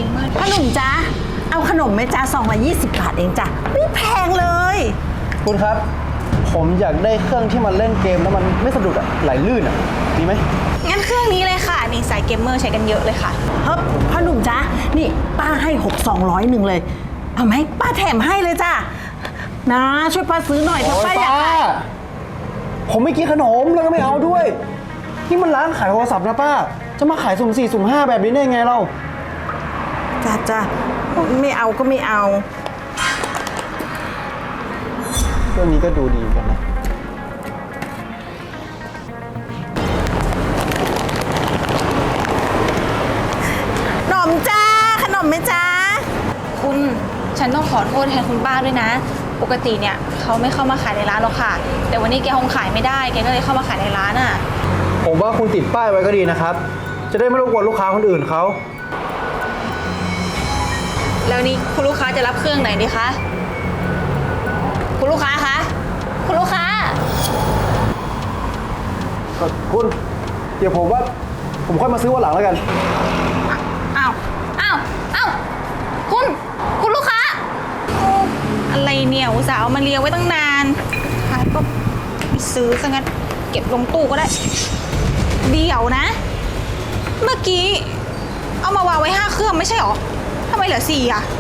มากขนมจ้าเอาขนมไหมจ้า220 บาทเองจ้ะไม่แพงเลยคุณครับผมอยากได้เครื่องที่มันเล่นเกมแล้วมันไม่สะดุดอะไหลลื่นอะดีไหมงั้นเครื่องนี้เลยค่ะนี่สายเกมเมอร์ใช้กันเยอะเลยค่ะเฮ้ยพ่อหนุ่มจ้านี่ป้าให้200เลยเอาไหมป้าแถมให้เลยจ้ะนะช่วยป้าซื้อหน่อยเถอะป้าอยากได้ผมไม่กินขนมแล้วก็ไม่เอาด้วยนี่มันร้านขายโทรศัพท์นะป้าจะมาขายสุ่ม4สุ่ม5แบบนี้ได้ไงเราจ้าไม่เอาก็ไม่เอาเรื่องนี้ก็ดูดีกันนะขนมจ้าขนมไหมจ้าคุณฉันต้องขอโทษแทนคุณป้าด้วยนะปกติเนี่ยเขาไม่เข้ามาขายในร้านหรอกค่ะแต่วันนี้แกคงขายไม่ได้แกก็เลยเข้ามาขายในร้านอ่ะผมว่าคุณติดป้ายไว้ก็ดีนะครับจะได้ไม่รบกวนลูกค้าคนอื่นเขาแล้วนี่คุณลูกค้าจะรับเครื่องไหนดีคะคุณลูกค้าคะคุณลูกค้าคุณเดี๋ยวผมว่าผมค่อยมาซื้อวันหลังแล้วกันอ้าวคุณลูกค้าอะไรเนี่ยอุตส่าห์เอามาเลี้ยงไว้ตั้งนานขายก็ไม่ซื้อซะงั้นเก็บลงตู้ก็ได้เดี๋ยวนะเมื่อกี้เอามาวางไว้5 เครื่องไม่ใช่หรอทำไมเหลือ4อ่ะ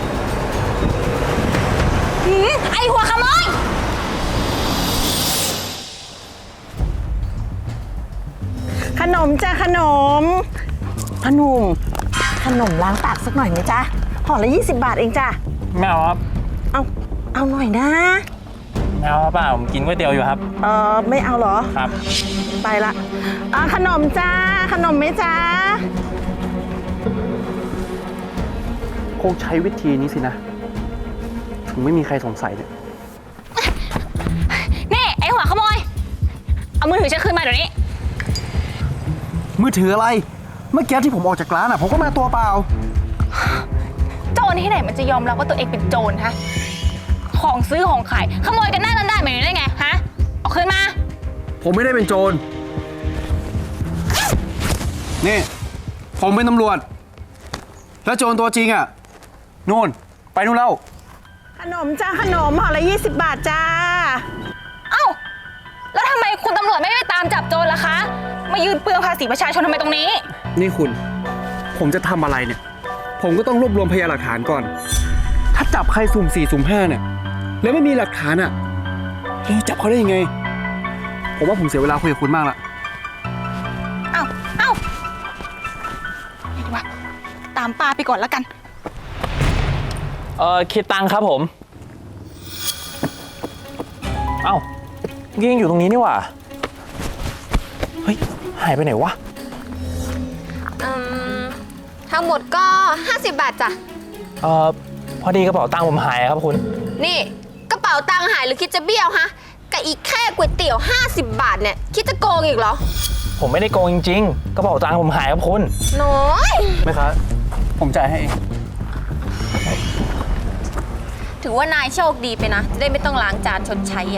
ไอหัวขโมยขนมจ้าขนมขนมล้างปากสักหน่อยไหมจ๊ะห่อละ20 บาทเองจ้ะไม่เอาครับเอาหน่อยนะไม่เอาครับป้าผมกินก๋วยเตี๋ยวอยู่ครับไม่เอาเหรอครับไปละขนมจ้าขนมไหมจ้าคงใช้วิธีนี้สินะถึงไม่มีใครสงสัยเนี่ยนี่ไอหัวขโมยเอามือถือฉันคืนมาเดี๋ยวนี้มือถืออะไรเมื่อกี้ที่ผมออกจากร้านผมก็มาตัวเปล่าโจรที่ไหนมันจะยอมรับว่าตัวเองเป็นโจรฮะของซื้อของขายขโมยกันหน้าด้านๆแบบนี้ได้ไงฮะเอาคืนมาผมไม่ได้เป็นโจรนี่ผมเป็นตำรวจแล้วโจรตัวจริงนู่นไปนู่นแล้วขนมจ้าขนมห่อละ20 บาทจ้าเอ้าแล้วทำไมคุณตำรวจไม่ไปตามจับโจรล่ะคะมายืนเปลืองภาษีประชาชนทำไมตรงนี้นี่คุณผมจะทำอะไรเนี่ยผมก็ต้องรวบรวมพยานหลักฐานก่อนถ้าจับใครสุ่ม4สุ่ม5เนี่ยแล้วไม่มีหลักฐานเราจับเขาได้ยังไงผมว่าผมเสียเวลาคุยกับคุณมากละเอ้าดีวะตามป้าไปก่อนแล้วกันคิดตังค์ครับผมเอ้ายังอยู่ตรงนี้นี่หว่าเฮ้ยหายไปไหนวะทั้งหมดก็50 บาทจ้ะพอดีกระเป๋าตังค์ผมหายครับคุณนี่กระเป๋าตังค์หายหรือคิดจะเบี้ยวฮะกับอีกแค่ก๋วยเตี๋ยว50 บาทเนี่ยคิดจะโกงอีกเหรอผมไม่ได้โกงจริงๆกระเป๋าตังค์ผมหายครับคุณน้อยไหมครับผมจ่ายให้เองถือว่านายโชคดีไปนะจะได้ไม่ต้องล้างจานชดใช้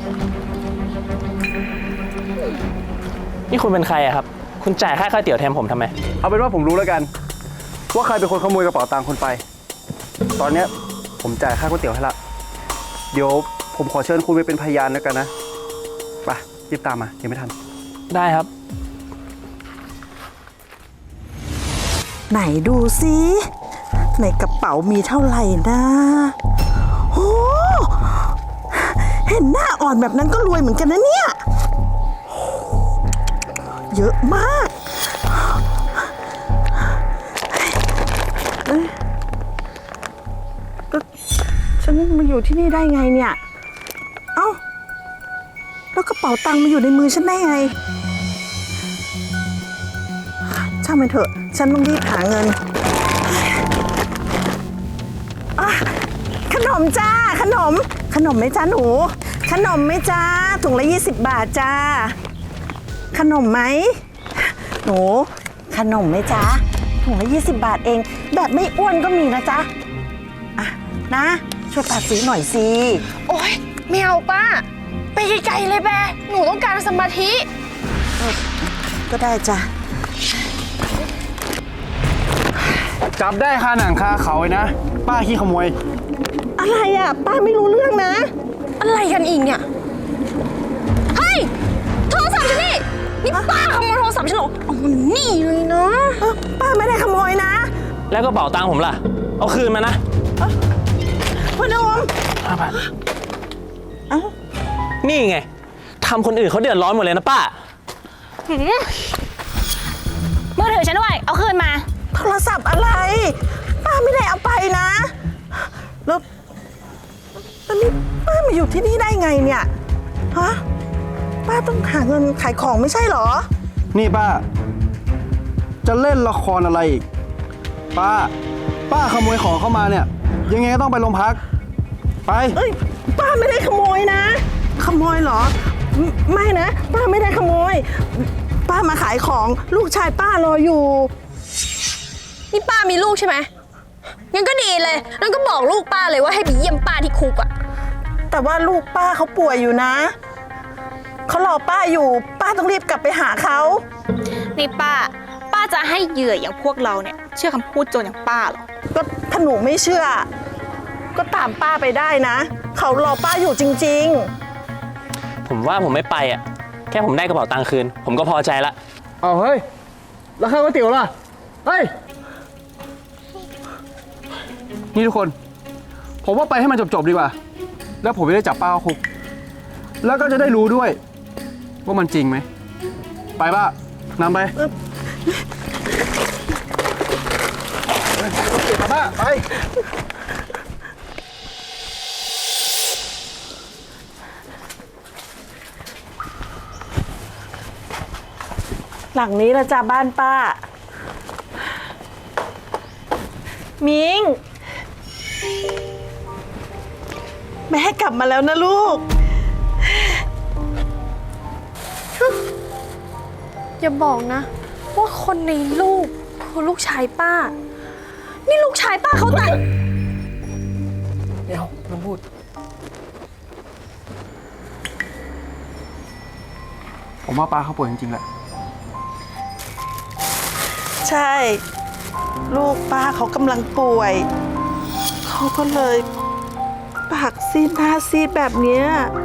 นี่คุณเป็นใครครับคุณจ่ายค่าก๋วยเตี๋ยวแทนผมทำไมเอาเป็นว่าผมรู้แล้วกันว่าใครเป็นคนขโมยกระเป๋าตังค์คุณไปตอนนี้ผมจ่ายค่าก๋วยเตี๋ยวให้ละเดี๋ยวผมขอเชิญคุณไปเป็นพยานแล้วกันนะไปรีบตามมายังไม่ทันได้ครับไหนดูซิในกระเป๋ามีเท่าไหร่นะโอ้เห็นหน้าอ่อนแบบนั้นก็รวยเหมือนกันนะเนี่ยเยอะมากก็ฉันมาอยู่ที่นี่ได้ไงเนี่ยเอ้าแล้วกระเป๋าตังค์มาอยู่ในมือฉันได้ไงช่างมันเถอะฉันต้องรีบหาเงินขนมจ้าขนมไหมจ้าหนูขนมไหมจ้าถุงละ20 บาทจ้าขนมไหมหนูขนมไหมจ้าถุงละ20 บาทเองแบบไม่อ้วนก็มีนะจ๊ะนะช่วยป้าซื้อหน่อยสิโอ๊ยไม่เอาป้าไปไกลๆเลยแบหนูต้องการสมาธิก็ได้จ้ะจับได้คาหนังคาเขาเลยนะ ป้าขี้ขโมยอะไรอ่ะ ป้าไม่รู้เรื่องนะอะไรกันอีกเนี่ย เฮ้ย โทรศัพท์ฉันนี่ นี่ป้าขโมยโทรศัพท์ฉันเหรอเอามันนี่เลยนะป้าไม่ได้ขโมยนะแล้วกระเป๋าตังค์ผมล่ะ เอาคืนมานะพ่อหนุ่มนี่ไงทำคนอื่นเขาเดือดร้อนหมดเลยนะป้ามือถือฉันด้วย เอาคืนมาโทรศัพท์อะไร ป้าไม่ได้เอาไปนะ แล้วนี่ป้ามาอยู่ที่นี่ได้ไงเนี่ย ฮะ ป้าต้องหาเงินขายของไม่ใช่เหรอนี่ป้า จะเล่นละครอะไรอีก ป้าขโมยของเข้ามาเนี่ย ยังไงก็ต้องไปโรงพัก ไปเอ้ย ป้าไม่ได้ขโมยนะ ขโมยเหรอ ไม่นะ ป้าไม่ได้ขโมย ป้ามาขายของลูกชายป้ารออยู่นี่ป้ามีลูกใช่ไหมงั้นก็ดีเลยงั้นก็บอกลูกป้าเลยว่าให้ไปเยี่ยมป้าที่คุกอะแต่ว่าลูกป้าเขาป่วยอยู่นะ เขารอป้าอยู่ ป้าต้องรีบกลับไปหาเขานี่ป้าจะให้เหยื่ออย่างพวกเราเนี่ย เชื่อคำพูดโจรอย่างป้าเหรอก็ถ้าหนูไม่เชื่อ ก็ตามป้าไปได้นะ เขารอป้าอยู่จริงผมว่าผมไม่ไปอ่ะ แค่ผมได้กระเป๋าตังค์คืน ผมก็พอใจละเอาเฮ้ย แล้วข้าวก๋วยเตี๋ยวล่ะ เฮ้ย นี่ทุกคน ผมว่าไปให้มันจบๆดีกว่า แล้วผมจะได้จับป้าเข้าคุก แล้วก็จะได้รู้ด้วย ว่ามันจริงไหม ไปป้านำไปป้าไปๆ หลังนี้ละจ้าบ้านป้า มิง แม่กลับมาแล้วนะลูกอย่าบอกนะ ว่าคนในรูปคือลูกชายป้า นี่ลูกชายป้าเขาแต่งเดี๋ยวไม่พูด ผมว่าป้าเขาป่วยจริงๆแหละใช่ ลูกป้าเขากำลังป่วย เขาก็เลยปากซีดหน้าซีดแบบเนี้ย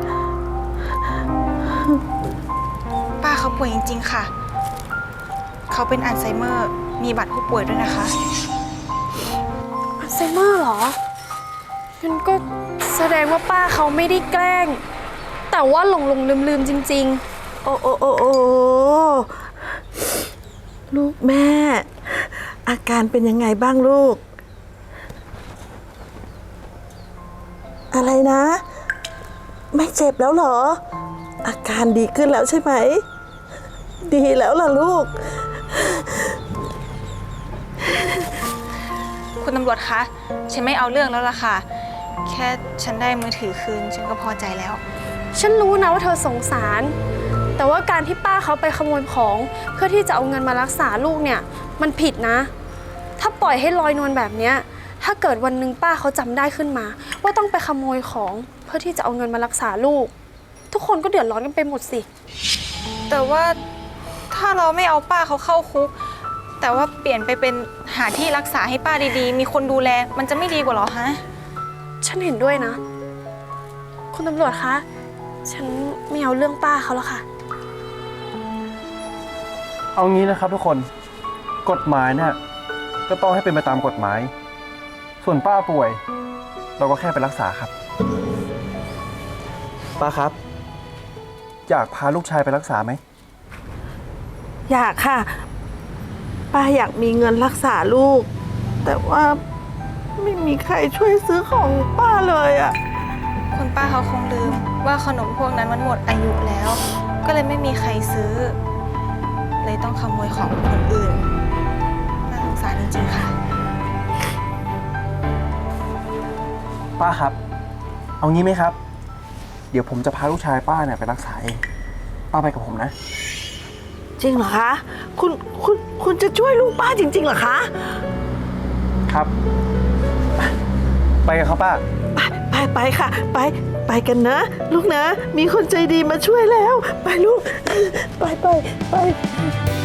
ป้าเขาป่วยจริงๆค่ะ เขาเป็นอัลไซเมอร์ มีบัตรผู้ป่วยด้วยนะคะอัลไซเมอร์เหรองั้นก็แสดงว่าป้าเขาไม่ได้แกล้ง แต่ว่าหลงลืมจริงโอ้โอ้โอ้โอ้ลูกแม่ อาการเป็นยังไงบ้างลูก อะไรนะ ไม่เจ็บแล้วเหรอ อาการดีขึ้นแล้วใช่ไหม ดีแล้วล่ะลูกคุณตำรวจคะ ฉันไม่เอาเรื่องแล้วล่ะค่ะ แค่ฉันได้มือถือคืน ฉันก็พอใจแล้วๆ ฉันรู้นะว่าเธอสงสาร แต่ว่าการที่ป้าเขาไปขโมยของเพื่อที่จะเอาเงินมารักษาลูกเนี่ยมันผิดนะ ถ้าปล่อยให้ลอยนวลแบบเนี้ยถ้าเกิดวันหนึ่งป้าเขาจำได้ขึ้นมา ว่าต้องไปขโมยของเพื่อที่จะเอาเงินมารักษาลูก ทุกคนก็เดือดร้อนกันไปหมดสิแต่ว่าถ้าเราไม่เอาป้าเขาเข้าคุก แต่ว่าเปลี่ยนไปเป็นหาที่รักษาให้ป้าดีๆ มีคนดูแล มันจะไม่ดีกว่าหรอฮะฉันเห็นด้วยนะ คุณตำรวจคะ ฉันไม่เอาเรื่องป้าเขาแล้วค่ะเอางี้นะครับทุกคน กฎหมายเนี่ยก็ต้องให้เป็นไปตามกฎหมาย ส่วนป้าป่วย เราก็แค่ไปรักษาครับ ป้าครับ อยากพาลูกชายไปรักษาไหมอยากค่ะ ป้าอยากมีเงินรักษาลูก แต่ว่าไม่มีใครช่วยซื้อของป้าเลยอะคุณป้าเขาคงลืมว่าขนมพวกนั้นมันหมดอายุแล้ว ก็เลยไม่มีใครซื้อ เลยต้องขโมยของคนอื่น น่าสงสารจริงๆค่ะป้าครับ เอางี้ไหมครับ เดี๋ยวผมจะพาลูกชายป้าเนี่ยไปรักษาเอง ป้าไปกับผมนะจริงเหรอคะ คุณจะช่วยลูกป้าจริงๆเหรอคะครับ ไปกันครับป้าไปค่ะ ไปกันนะ ลูกนะ มีคนใจดีมาช่วยแล้ว ไปลูก ไป